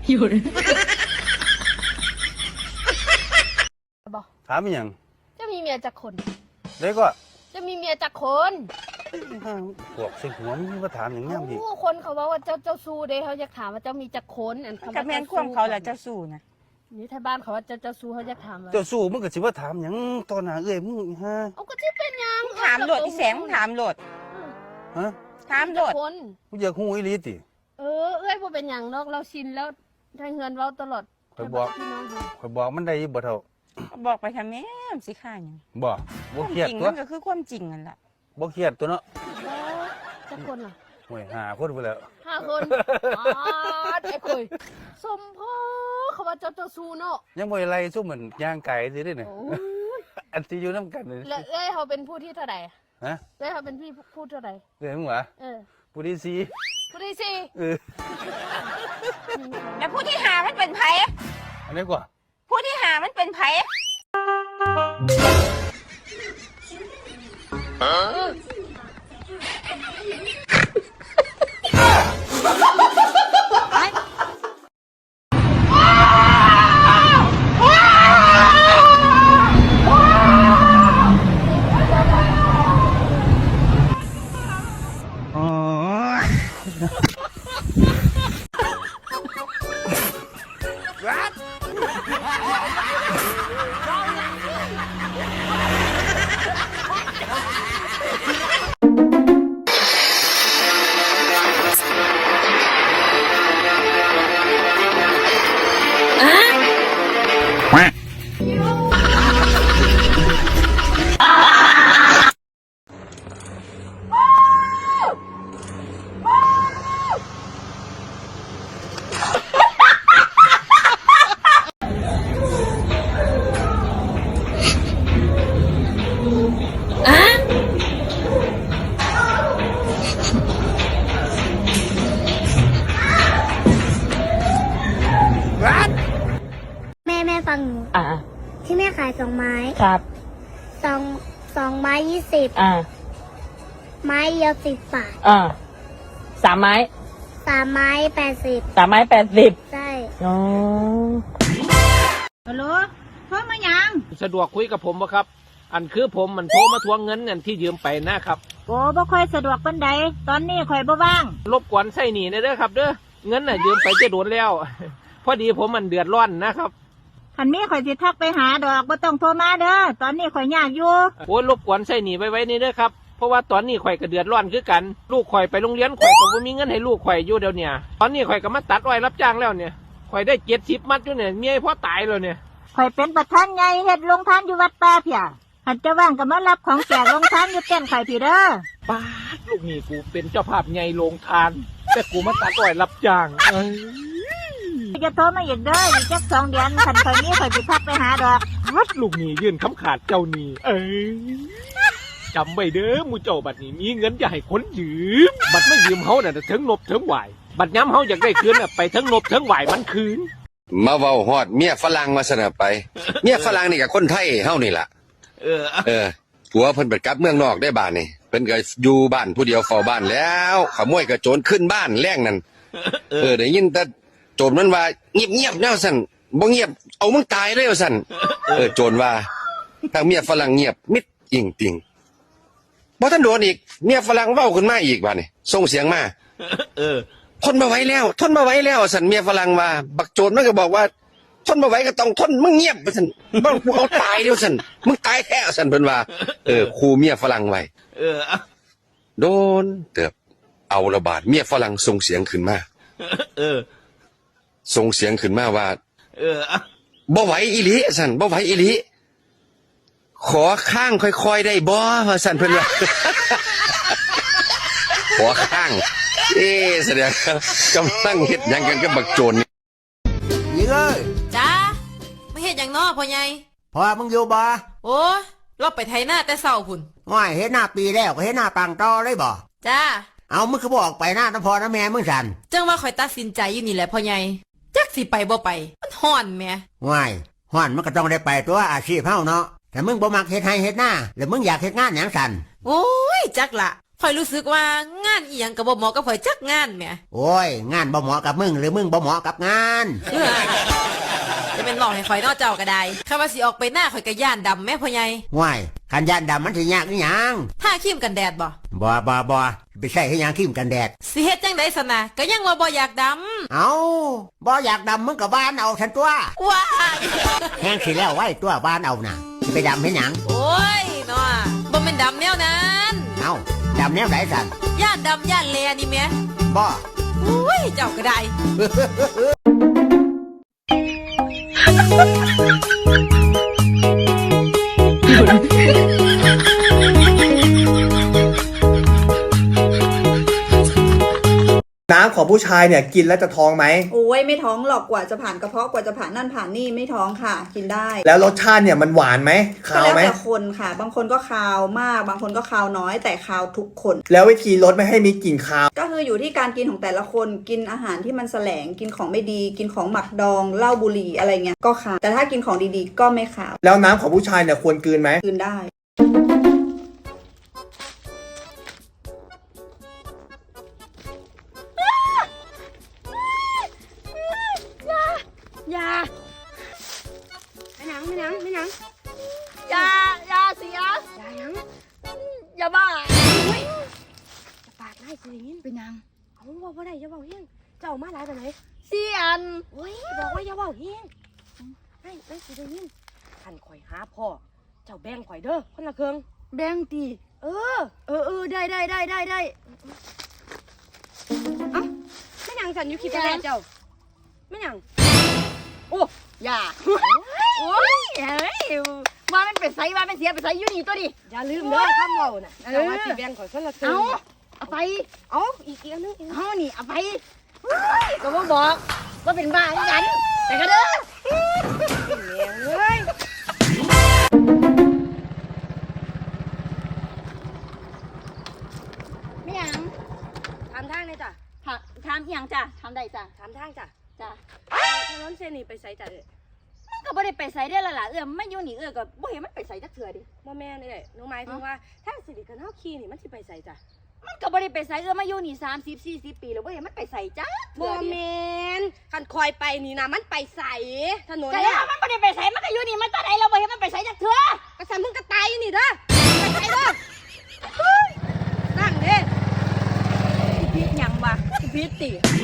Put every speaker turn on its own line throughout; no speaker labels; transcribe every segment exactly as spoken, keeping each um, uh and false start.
อยู่เลย
บอก
ถามยัง
จะมีเมียจักคน
เด็กก็
จะมีเมียจักคน
พวกสิหัวมึงมาถามอย่างเงี้ยพี่
คนเขาบอกว่าเจ้าเจ้าสู้เด้เขาอยากถามว่าเจ้ามีจักคนอัน
คำว่าแม่นควงเขาแหละเจ้าสู้นะ
นี่ถ้าบ้านเขาว่าเจ้าเจ้าสู้เขาอยากถามว่า
เจ้าสู้มึงก็สิว่าถามอย่างตอนหน้าเอ้ยมึงฮะ
เอาก็ที่เป็นยัง
ถามโหลดอีแสงถามโหลด
ฮะ
ถามโหลด
มึงอยากหูอีหลีติ
เออเอ้ยบ่เป็นอย่างนอกเราชินแล้วทางเงินเราตลอด
คอยบอกคอยบอกมันได้บ่เท่า
บอกไปทำแม่สิข้าหยัง
บ่บ่เครียดตัว
มันก็คือความจริงนั่นแหละ
บ่เครียดตัวเนาะ
จักคนล่ะ
โอ้ยห้าคนไปแล้ว
ห้าคนอ๋อไอ้คุยสมพ่อเขาว่าเจ้าเจ้าสู้เนาะ
ยังบ่อะไรสู้เหมือนย่างไก่สิได้เนี่ยอันที่อยู่น้ำกันเลย
แล้วเอ้ยเขาเป็นผู้ที่เท่าไหร่
ฮะ
เอ้ยเขาเป็นพี่ผู้เท่าไหร่
เอ้ยมึงวะ
เออ
ผู้ที่สี่
ผู้ที่สี่
เออ
แล้วผู้ที่หามันเป็นไผ
อันนี้กว่า
ผู้ที่หามันเป็นไผ
แม่แม่ฟังหนูอ่าที่แม่ขายสองไม้
ครับ
สองสองไม้ยี่สิบ
อ่า
ไม้เดียวสิบบาท
อ่าสามไม้
สามไม้แปดสิบ
สามไม้แปดสิบ
ใช่
อ๋อ
ฮัลโหลโทรมายัง
สะดวกคุยกับผมบ่ครับอันคือผมมันโทรมาทวงเงินเงินที่ยืมไปนะครับ
โอ้บ่ค่อยสะดวกปานใดตอนนี้ข่อยบ่ว่าง
รบกวนใส่หนีเด้อครับเด้อเงินน่ะยืมไปจะโดนแล้วพอดีผมมันเดือดร้อนนะครับ
คันนี้ข่อยสิทักไปหาดอกบ่ต้องโทรมาเด้อตอนนี้ข่อยยากอยู่
โอ้ยรบกวนใส่หนีไว้ไว้นี่เด้อครับเพราะว่าตอนนี้ข่อยก็เดือดร้อนคือกันลูกข่อยไปโรงเรียนข่อยก็บ่มีเงินให้ลูกข่อยอยู่เดี๋ยวนี้ตอนนี้ข่อยก็มาตัดอ้อยรับจ้างแล้วเนี่ยข่อยได้เจ็ดสิบมัดอยู่เนี่ยเมียพ่อตายแล้วเนี่ย
ข่อยเป็นประธานใหญ่เฮ็ดโรงทานอยู่วัดป่าเพียหันจะว่างก็มารับของแจกโรงทานอยู่เต้นข่อยพี่เด้อ
ป้าลูกนี่กูเป็นเจ้าภาพใหญ่โรงทานแต่กูมาตัดอ้อยรับจ้างเอ้ย
จะโทรมาอีกเด้ออีกจักสองเดือนคันข่อยนี้ข่อยสิทักไปหาดอก
ฮัดลูกนี่ยื่นคำขาดเจ้านี่เอ้ยจำไว้เด้อมูเจ้าบัดนี้มีเงินอย่าให้คนยืมบัดไม่ยืมเฮาน่ะถึงนบถึงไหวบัดย้ำเฮาอยากได้คืนน่ะไปถึงนบถึงไหวมันคืน
มาเว้าฮอดเมียฝรั่งมาสนับไปเมียฝรั่งนี่กับคนไทยเฮานี่ล่ะ
เออ
เออผัวเพิ่นไปกลับเมืองนอกได้บ้านนี่เพิ่นก็อยู่บ้านผู้เดียวเฝ้าบ้านแล้วขโมยกระโจนขึ้นบ้านแรงนั่นเออได้ยินแต่โจรมันว่าเงียบๆแนวสั่นบ่เงียบเอามึงตายเลยว่าสั่นเออโจรว่าทางเมียฝรั่งเงียบมิดอิงติงบ่ทันโดนอีกเมียฝรั่งเว้าขึ้นมาอีกบาดนี่ส่งเสียงมา
เออ
ทนมาไหวแล้วทนมาไหวแล้วสั่นเมียฝรั่งว่าบักโจรมันก็บอกว่าทนมาไหวก็ต้องทนมึงเงียบว่าสั่นบ่กูเอาตายเดี๋ยวสั่นมึงตายแท้สั่นเพิ่นว่าเออครูเมียฝรั่งไว้
เออ
โดนเติบเอาระบาดเมียฝรั่งส่งเสียงขึ้นมา
เออ
ส่งเสียงขึ้นมาว่า
เออ
บ่ไหวอีหลีสั่นบ่ไหวอีหลีขอข้างค่อยๆได้บ่ว่าสั่นเพิ่นว่าขอข้างเอ๊ะแสดงกำลังเฮ็ดหยังกันกับบักโจรนี่
ยิงเอ้ย
จ้าไม่เฮ็ดหยังน้อพ่อใหญ่
พ่อมึงอยู่บ่
โอ้เราไปไถนาแต่เช้าพุ่น
ง่อยเฮ็ดหน้าปีแล้วก็เฮ็ดหน้าปังต่อเลยบ่
จ้า
เอามึงคือบ่ออกไปหน้าน้ำพ่อน้ำแม่มึงสั่น
จังว่าข่อยตัดสินใจอยู่นี่แหละพ่อใหญ่จักสิไปบ่ไปมันฮ้อนแหม
ง่อยฮ้อนมันก็ต้องได้ไปตัวอาชีพเฮาเนาะแต่มึงบ่มักเฮ็ดไร่เฮ็ดนาแล้วมึงอยากเฮ็ดงานหยังสั่น
โอ้ยจักละไฟอยรู้สึกว่างานอีหยังกับบ่เหมาะกับข่อยจักงานแหม
โอ้ย งานบ่เหมาะกับมึงหรือมึงบ่เหมาะกับงาน
จะเป็นบอกให้ข่อยนอกเจ้าก็ได้ข้าว่าสิออกไปหน้าข่อยก็ย่านดำแม่พ่อใหญ่
ว้ายคันยานดำมันสิยากอีหยัง
ถ้าครีมกันแดดบ่
บ่บ่บ่ไปใส่ให้หยังครีมกันแดด
สิเฮ็ดจังได๋ซะนะก็ยังว่าบ่อยากด
เอาบ่อยากดำมึงก็บ้านเอาฉันตัว
ำว้าย
แห้งสิแล้วไว้ตัวบ้านเอาน่ะสิไปดำให้หยัง
โอ้ยเนาะบ่แม่นดำแนวนั้น
เอาดำแนวไหนสัน
ย่านดำย่านแลนี่แหม่
บ่
อุ้ยเจ้าก็ได้
น้ำของผู้ชายเนี่ยกินแล้วจะท้องไหม
โอ้ยไม่ท้องหรอกกว่าจะผ่านกระเพาะกว่าจะผ่านนั่นผ่านนี่ไม่ท้องค่ะ กินได้
แล้วรสชาติเนี่ยมันหวานไหม
ก็
คาว
แล้ว
ไหม
แต่คนค่ะ บางคนก็คาวมาก บางคนก็คาวน้อยแต่คาวทุกคน
แล้ววิธีลดไม่ให้มีกลิ่นคาว
ก็คืออยู่ที่การกินของแต่ละคนกินอาหารที่มันแสลงกินของไม่ดี กินของหมักดองเหล้าบุหรี่อะไรเงี้ยก็คาวแต่ถ้ากินของดีๆ ก็ไม่คาว
แล้วน้ำของผู้ชายเนี่ยควรกลืนไหม
กินได้
อย่าไม่หนังไม่หนังไม่หนัง
อย่าอย่าเสีย
อย่าหนัง
อย่าบ้า
จะปากไล่สิอย่างนี้เป็นหนังเอาบอกว่าได้อย่าบอกเฮียงเจ้ามาหลายไปไหน
เสียน
โอ้ยบอกว่าอย่าบอกเฮียงให้ไปสิอย่างนี้ขันข่อยหาพ่อเจ้าแบ่งข่อยเด้อคนละเครื่องแบ่งตีเออเออเออได้ได้ได้ได้ได้เอ้าไม่หนังสันอยู่คิดไปแล้วเจ้าไม่หนัง
โอ้อย่าโอ้ยเฮ้ยว่ามันเป็นไสว่ามันเสียเป็นไสอยู่นี่ตัวดิ
อย่าลืมเด้อคำเว้าน่ะเจ้าว่าสิแบ่งข่อยคนละเครื่
เอา
อง
เอาไป
เอาอีกอีกอันนึงอีก
เอานี่เอาไปเฮ้ยก็บ่บอกว่าเป็นบ้าเหมือนกันแต่ก็เด้อ
เฮ้ย
ไม่หยัง
ทำทางเลยจ้ะ
ถามถามอีหยังจ้ะถามได้จ้ะ
ทำทางจ้ะ
จ้ะ
ถนนเส้นนี้ไปไสจ้ะเอ้ย
มันก็บ่ได้ไปไสได้อละล่ะเอื้อมไม่อยู่นี่เอื้อก็บ่เห็นมันไปไสจักเทื่อดิ
บ่แม่นเอ้ยหนูหมายถึงว่าทางสิริกันเฮาขี่นี่มันสิไปไสจ้ะ
มันก็บ่ได้ไปไสเอื้อมาอยู่นี่สามสิบ สี่สิบปีแล้วบ่เห็นมันไปไสจ้ะ
บ่แม่นคันคอยไปนี่นะมันไปไสถนน
ก็
เนี่
แล้
ยว
มันบ่ได้ไปไสมันก็อยู่นี่มันตาใดเราบ่เห็นมันไปไสจักเทื่อ
ก็สั่นมึงก็ตายอยู่นี่เด้อไปไสเด้อเฮ้ยนั่งเด้
พิษหยังวะพิษติ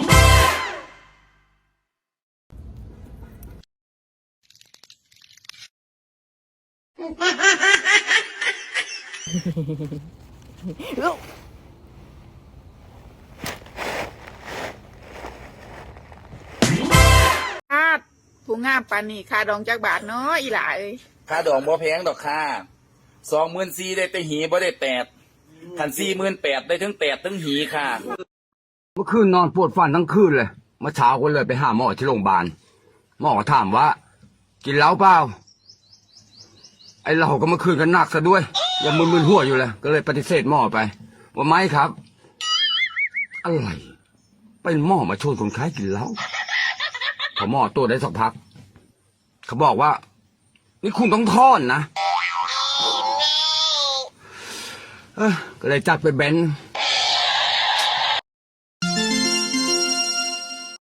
ครับผู้งามปานนี่ค่าดองจักบาทเนาะอีหล่าเอ้ย
ค่าดองบ่แพงดอกค่าสองหมื่นสี่ได้แต่หีบ่ได้แตดขันสี่หมื่นแปดได้ทั้งแตดทั้งหีค่ะ
เมื่อคืนนอนปวดฟันทั้งคืนเลยเมื่อเช้าก็เลยไปหาหมอที่โรงพยาบาลหมอก็ถามว่า กินเหล้าเปล่าไอเราก็เมื่อคืนกันหนักซะด้วยยังมึนๆหัวอยู่เลยก็เลยปฏิเสธหมอไป ว่าไม่ครับ อะไรเป็นหมอมาชวนคนไข้กินเหล้าพอหมอตรวจได้สักพักเขาบอกว่า นี่คุณต้องทอนนะเออก็เลยจัดไปเบนซ์